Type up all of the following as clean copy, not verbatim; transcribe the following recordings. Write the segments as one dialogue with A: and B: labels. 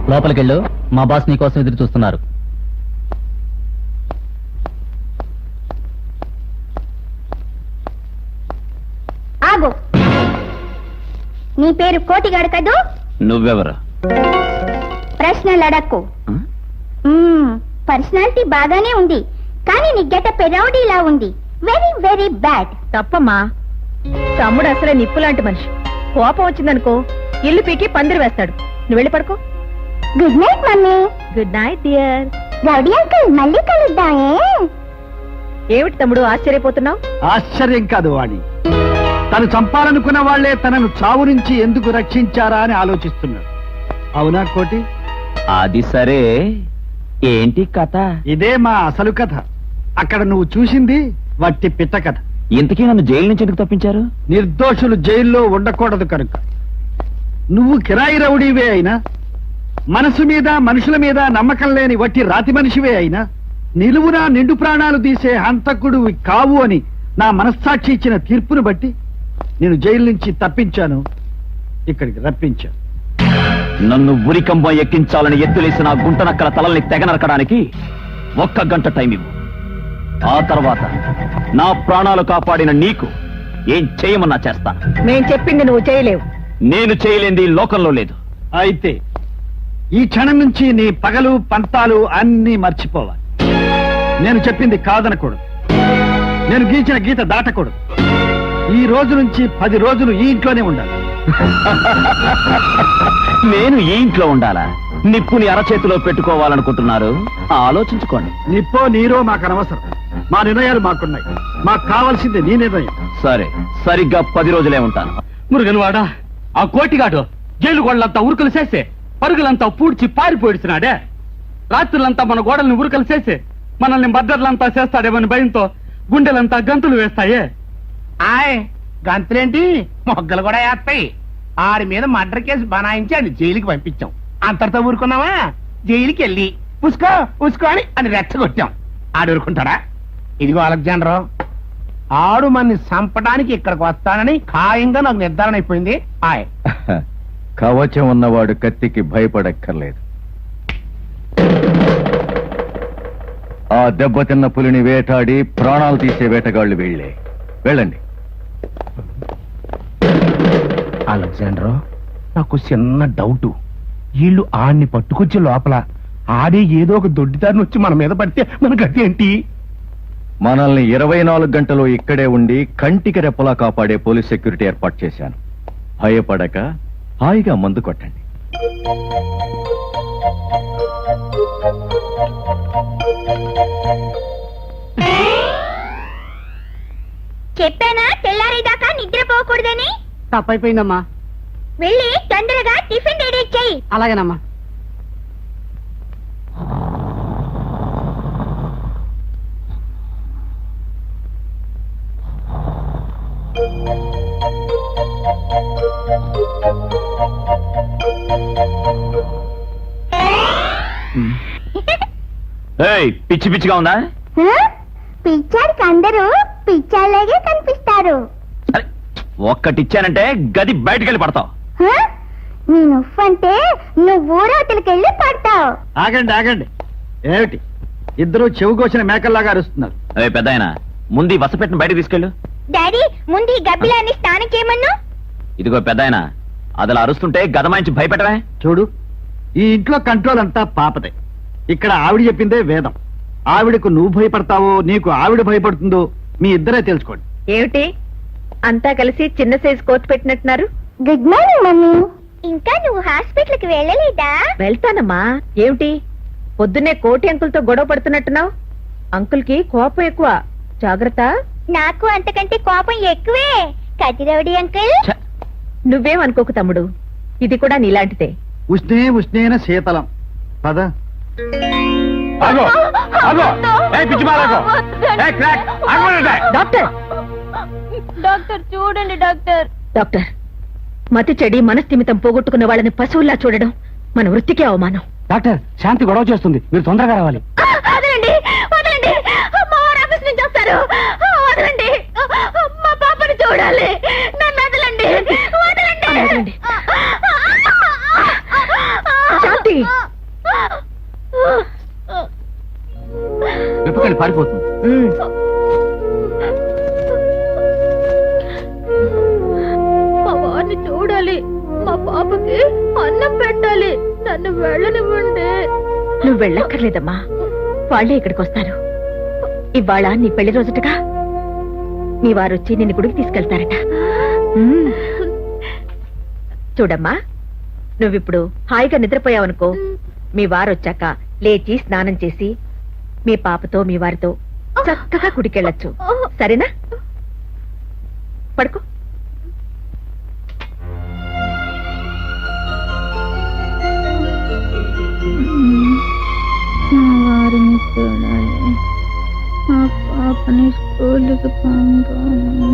A: లోపలికెళ్ళు, మా బాస్ నీ కోసం ఎదురు చూస్తున్నారు.
B: ఆగు. నీ పేరు కోటిగాడు కదూ?
C: నువ్వెవరు?
B: ప్రశ్నలు అడక్కు. పర్సనాలిటీ బాగానే ఉంది, కానీ నీ గెటప్ రౌడీలా ఉంది. Very very bad.
D: తప్పమ్మా, తమ్ముడు అసలే నిప్పు లాంటి మనిషి. కోపం వచ్చిందనుకో ఇల్లు పీకి పందిరి వేస్తాడు. నువ్వు వెళ్ళి పడుకో.
B: Good night mummy.
D: Good night dear.
B: Rowdy uncle, మళ్ళీ కలుద్దామే.
D: ఏమిటి తమ్ముడు ఆశ్చర్యపోతున్నావు?
E: ఆశ్చర్యం కాదు వాణి, తను చంపాలనుకున్న వాళ్లే తనను చావు నుంచి ఎందుకు రక్షించారా అని ఆలోచిస్తున్నాడు. అవునా కోటి?
C: అది సరే, ఏంటి కథ?
E: ఇదే మా అసలు కథ. అక్కడ నువ్వు చూసింది వట్టి పిట్ట కథ.
C: ఇంతకీ నన్ను జైలు నుంచి ఎందుకు తప్పించారు?
E: నిర్దోషులు జైల్లో ఉండకూడదు కనుక. నువ్వు కిరాయి రౌడీవే అయినా, మనసు మీద మనుషుల మీద నమ్మకం లేని వట్టి రాతి మనిషివే అయినా, నిలువునా నిండు ప్రాణాలు తీసే హంతకుడు కావు అని నా మనస్సాక్షి ఇచ్చిన తీర్పును బట్టి నేను జైలు నుంచి తప్పించాను, ఇక్కడికి రప్పించాను.
C: నన్ను ఉరికంబం ఎక్కించాలని ఎత్తులేసిన గుంటనక్కల తలల్ని తెగనరకడానికి 1 గంట టైం ఇవ్వు. ఆ తర్వాత నా ప్రాణాలు కాపాడిన నీకు ఏం చేయమన్నా చేస్తాను.
D: మేం చెప్పింది నువ్వు చేయలేవు.
C: నేను చేయలేంది లోకంలో లేదు.
E: అయితే ఈ క్షణం నుంచి నీ పగలు పంతాలు అన్నీ మర్చిపోవాలి. నేను చెప్పింది కాదనకూడదు, నేను గీచిన గీత దాటకూడదు. ఈ రోజు నుంచి 10 రోజులు ఈ ఇంట్లోనే ఉండాలి.
C: నేను ఈ ఇంట్లో ఉండాలా? నిప్పుని అరచేతిలో పెట్టుకోవాలనుకుంటున్నారు? ఆలోచించుకోండి.
E: నిప్పో నీరో మాకు అనవసరం. మా నిర్ణయాలు మాకున్నాయి. మాకు కావాల్సింది నీ నిర్ణయం.
C: సరే, సరిగ్గా 10 రోజులే ఉంటాను.
F: మురుగన్వాడా, ఆ కోటిగాడు జైలు గోడలంతా ఉరుకులు చేసి పరుగులంతా పూడ్చి పారిపోయిడుతున్నాడే. రాత్రులంతా మన గోడల్ని ఉరుకలు చేసి మనల్ని బద్దర్లంతా చేస్తాడేమని భయంతో గుండెలంతా గంతులు వేస్తాయే.
G: ఆయ్ గంతులేంటి, మొగ్గలు కూడా వేస్తాయి. ఆడి మీద మర్డర్ కేసు బనాయించి ఆయన జైలుకి పంపించాం. అంతటితో ఊరుకున్నావా? జైలుకి వెళ్ళి ఉసుకో ఉసుకో అని రెచ్చగొట్టాం. ఆడు ఊరుకుంటాడా? ఇదిగో అలెగ్జాండర్, ఆడు మన్ని చంపడానికి ఇక్కడికి వస్తానని ఖాయంగా నాకు నిర్ధారణ అయిపోయింది. ఆయ్
H: కవచం ఉన్నవాడు కత్తికి భయపడక్కర్లేదు. ఆ దెబ్బతిన్న పులిని వేటాడి ప్రాణాలు తీసే వేటగాళ్లు వీళ్లే. వెళ్ళండి.
G: అలెగ్జాండర్, నాకు చిన్న డౌట్. వీళ్ళు ఆడిని పట్టుకొచ్చే లోపల ఆడే ఏదో ఒక దొడ్డిదారిని వచ్చి మన మీద పడితే మన గతి ఏంటి?
H: మనల్ని 24 గంటలు ఇక్కడే ఉండి కంటికి రెప్పలా కాపాడే పోలీస్ సెక్యూరిటీ ఏర్పాటు చేశాను. భయపడక హాయిగా మందు కొట్టండి.
B: చెప్పానా తెల్లారేదాకా నిద్రపోకూడదని?
D: తప్పైపోయిందమ్మా.
B: వెళ్ళి తొందరగా టిఫిన్ రెడీ చెయ్యి.
D: అలాగేనమ్మా.
C: పిచ్చి పిచ్చిగా ఉందా?
B: పిచ్చాడికి అందరూ పిచ్చాలాగే కనిపిస్తారు.
C: సరే, ఒక్కటిచ్చానంటే గది బయటకెళ్ళి పడతావు.
B: నేను ఉఫ్ఫంటే నువ్వు ఊరవతలకెళ్ళి పడతావు.
E: ఆగండి ఆగండి, ఏమిటి ఇద్దరు చెవుకోసిన మేకల్లాగా అరుస్తున్నారు?
C: పెద్దాయన, ముందు వసపెట్టిన బయటకు తీసుకెళ్ళు.
B: డాడీ, ముందు ఈ గబ్బిలాన్ని స్నానం చేయమన్ను.
C: ఇదిగో పెద్దాయన, అదలా అరుస్తుంటే గదమాయించి భయపెట్టవే.
E: చూడు, ఈ ఇంట్లో కంట్రోల్ అంతా పాపదే. ఇక్కడ ఆవిడ చెప్పిందే వేదం. ఆవిడకు నువ్వు భయపడతావో నీకు ఆవిడ భయపడుతుందో మీ ఇద్దరే తెలుసుకోండి.
D: ఏమిటి అంతా కలిసి చిన్న సైజు కోట్ పెట్టినట్టున్నారు?
B: Good morning mummy. ఇంకా నువ్వు హాస్పిటల్ కి వెళ్ళలేదా?
D: వెళ్తానమ్మా. ఏమిటి పొద్దున్నే కోటి అంకుల్తో గొడవ పడుతున్నట్టున్నావు? అంకుల్ కి కోపం ఎక్కువ, జాగ్రత్త.
B: నాకు అంతకంటే కోపం ఎక్కువే. కతిరవుడి అంకుల్.
D: నువ్వేం అనుకోకు తమ్ముడు, ఇది కూడా నీలాంటిదే.
E: ఉష్ణే ఉష్ణేన శీతలం. పద.
D: డాక్టర్,
B: డాక్టర్ చూడండి డాక్టర్.
D: డాక్టర్, మతి చెడి మనస్థిమితం పోగొట్టుకున్న వాళ్ళని పశువుల్లా చూడడం మన వృత్తికే అవమానం.
F: డాక్టర్, శాంతి గొడవ చేస్తుంది, మీరు తొందరగా రావాలి.
B: వదలండి వదలండి, మా వారు ఆఫీస్ నుంచి వస్తారు. వదలండి, మా పాపని చూడాలి. నన్ను వదలండి వదలండి.
D: వదలండి. శాంతి,
F: విప్పకండి పారిపోతుంది.
D: ఉమ్.
B: మా వారిని చూడాలి, మా పాపకి అన్నం పెట్టాలి, నన్ను వెళ్ళనివ్వండి.
D: నువ్వు వెళ్ళక్కర్లేదమ్మా, వాళ్ళే ఇక్కడికి వస్తారు. ఇవాళ నీ పెళ్లి రోజుటగా నీ వారొచ్చి నిన్ను గుడికి తీసుకెళ్తారట. ఉమ్. చూడమ్మా, నువ్విప్పుడు హాయిగా నిద్రపోయావనుకో, మీ వారొచ్చాక లేచి స్నానం చేసి మీ పాపతో మీ వారితో చక్కగా గుడికెళ్ళొచ్చు. సరేనా? పడుకో.
B: మా వారిని చూడాలి, మా పాపని స్కూల్కి పంపాలి.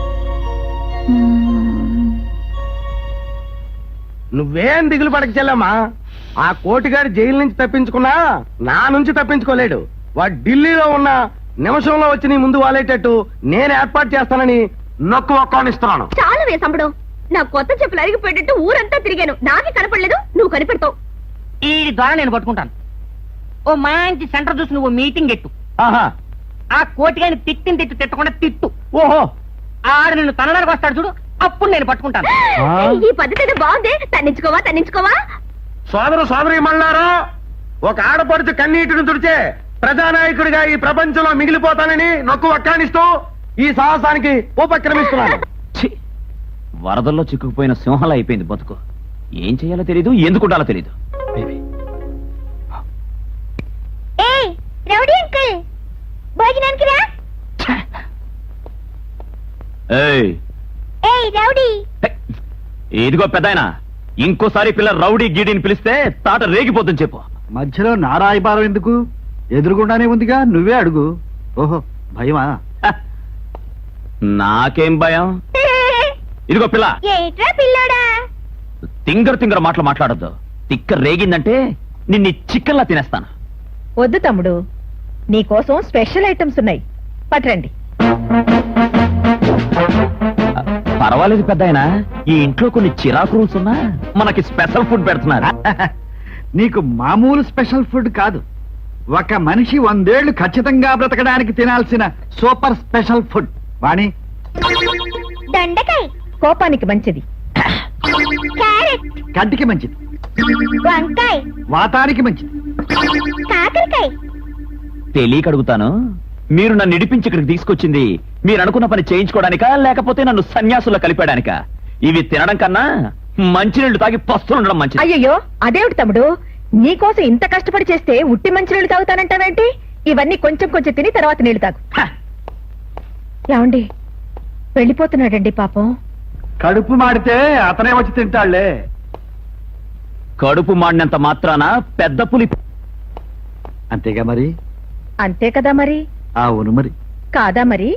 G: నువ్వేం దిగులు పడక చెల్లమ్మా. ఆ కోటిగాడు జైలు నుంచి తప్పించుకున్నా నా నుంచి తప్పించుకోలేడు. వాడు ఢిల్లీలో ఉన్న నిమిషంలో వచ్చి నీ ముందు వాలేటట్టు నేను ఏర్పాటు చేస్తానని నొక్కు ఒక్కానిస్తున్నాను.
B: చాలా వేసంబడం, నా కొత్త చెప్పులు అరిగిపోయేటట్టు ఊరంతా తిరిగాను, నాకే కనపడలేదు, నువ్వు కనిపెడతావు.
I: ఈ ద్వారా నేను పట్టుకుంటాను. ఓ మంచి సెంటర్ చూసి నువ్వు మీటింగ్ ఎట్టు.
G: ఆహా,
I: ఆ కోటిగాని తిట్టు తిట్టకుండా తిట్టు.
G: ఓహో,
I: ఆడు నిన్ను తనడానికి వస్తాడు చూడు, అప్పుడు నేను పట్టుకుంటాను.
B: ఈ పద్ధతి అయితే బాగుంది, తన్నించుకోవా.
G: సోదరి మళ్ళారా, ఒక ఆడపడుచు కన్నీటిని తుడిచే ప్రజానాయకుడిగా ఈ ప్రపంచంలో మిగిలిపోతానని నొక్కు ఒక్కానిస్తూ ఈ సాహసానికి ఉపక్రమిస్తున్నాను.
C: ఛీ! వరదల్లో చిక్కుకుపోయిన సింహాలు అయిపోయింది బతుకు. ఏం చేయాలో తెలీదు, ఎందుకు ఉండాలో తెలీదు.
B: ఏయ్ రౌడీ అంకుల్, భోజనానికి రా.
C: ఏయ్,
B: ఏయ్ రౌడీ.
C: ఇదిగో పెద్దాయన, ఇంకోసారి పిల్ల రౌడీ గీడీని పిలిస్తే తాట రేగిపోతుంది చెప్పు.
E: మధ్యలో నారాయబారం ఎందుకు? ఎదురుగుండానే ఉందిగా, నువ్వే అడుగు. ఓహో, భయమా?
C: హ! నాకేం భయం. ఇదిగో పిల్ల,
B: ఏట్రా పిల్లోడా?
C: తింగర మాటలు మాట్లాడద్దు. తిక్క రేగిందంటే నిన్ను చికెన్లా తినేస్తాను.
D: వద్దు తమ్ముడు, నీకోసం స్పెషల్ ఐటమ్స్ ఉన్నాయి, పట్రండి.
C: పర్వాలేదు పెద్దాయన, ఈ ఇంట్లో కొన్ని చిరాకు రూల్స్ ఉన్నా మనకి స్పెషల్ ఫుడ్ పెడుతున్నారు.
E: నీకు మామూలు స్పెషల్ ఫుడ్ కాదు, ఒక మనిషి 100 ఏళ్లు ఖచ్చితంగా బ్రతకడానికి తినాల్సిన సూపర్ స్పెషల్ ఫుడ్. వాణి,
B: దొండకాయ,
D: కోపానికి మంచిది.
B: క్యారెట్,
E: కంటికి మంచిది,
B: వంకాయ,
E: వాతానికి మంచిది.
B: కాకరకాయ.
C: తెలియక అడుగుతాను, మీరు నన్ను ఇడిపించి ఇక్కడికి తీసుకొచ్చింది మీరు అనుకున్న పని చేయించుకోవడానికా, లేకపోతే నన్ను సన్యాసుల్లో కలిపాడానికా? ఇవి తినడం కన్నా మంచినీళ్లు తాగి పస్తులు ఉండడం మంచిది.
D: అయ్యయ్యో, అదేమిటి తమ్ముడు, నీకోసం ఇంత కష్టపడి చేస్తే ఉట్టి మంచినీళ్ళు తాగుతానంటావేంటి? ఇవన్నీ కొంచెం కొంచెం తిని తర్వాత నీళ్లు తాగు.
C: హ!
D: ఏమండి, వెళ్ళిపోతున్నాడండి పాపం.
E: కడుపు మాడితే అతనే వచ్చి తింటాళ్లే.
C: కడుపు మాడినంత మాత్రాన పెద్ద పులి.
E: అంతేగా మరి.
D: అంతే కదా మరి.
E: అవును మరి.
D: కాదా మరి?